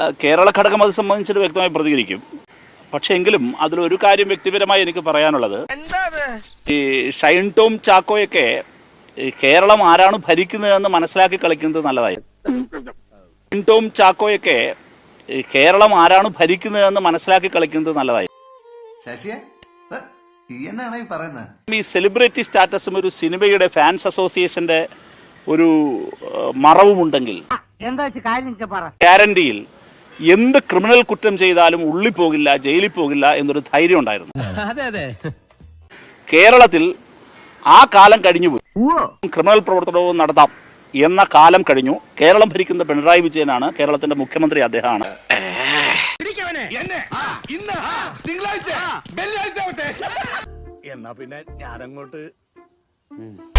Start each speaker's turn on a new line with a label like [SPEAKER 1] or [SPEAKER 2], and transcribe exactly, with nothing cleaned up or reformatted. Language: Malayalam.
[SPEAKER 1] കേരള ഘടകം അത് സംബന്ധിച്ചിട്ട് വ്യക്തമായി പ്രതികരിക്കും. പക്ഷെ എങ്കിലും അതിലൊരു കാര്യം വ്യക്തിപരമായി എനിക്ക് പറയാനുള്ളത്, ഈ ഷൈൻ ടോം ചാക്കോയൊക്കെ കേരളം ആരാണ് ഭരിക്കുന്നതെന്ന് മനസ്സിലാക്കി കളിക്കുന്നത് നല്ലതായി. ഷൈൻ ടോം ചാക്കോയൊക്കെ കേരളം ആരാണ് ഭരിക്കുന്നതെന്ന് മനസ്സിലാക്കി കളിക്കുന്നത് നല്ലതായി. ഈ സെലിബ്രിറ്റി സ്റ്റാറ്റസും ഒരു സിനിമയുടെ ഫാൻസ് അസോസിയേഷന്റെ ഒരു മറവുമുണ്ടെങ്കിൽ ഗ്യാരണ്ടിയിൽ എന്ത് ക്രിമിനൽ കുറ്റം ചെയ്താലും ഉള്ളിൽ പോകില്ല, ജയിലിൽ പോകില്ല എന്നൊരു ധൈര്യം ഉണ്ടായിരുന്നു. കേരളത്തിൽ ആ കാലം കഴിഞ്ഞുപോയി. ക്രിമിനൽ പ്രവർത്തനവും നടത്താം എന്ന കാലം കഴിഞ്ഞു. കേരളം ഭരിക്കുന്ന പിണറായി വിജയനാണ്, കേരളത്തിന്റെ മുഖ്യമന്ത്രി അദ്ദേഹമാണ്.
[SPEAKER 2] എന്നാ പിന്നെ ഞാനങ്ങോട്ട്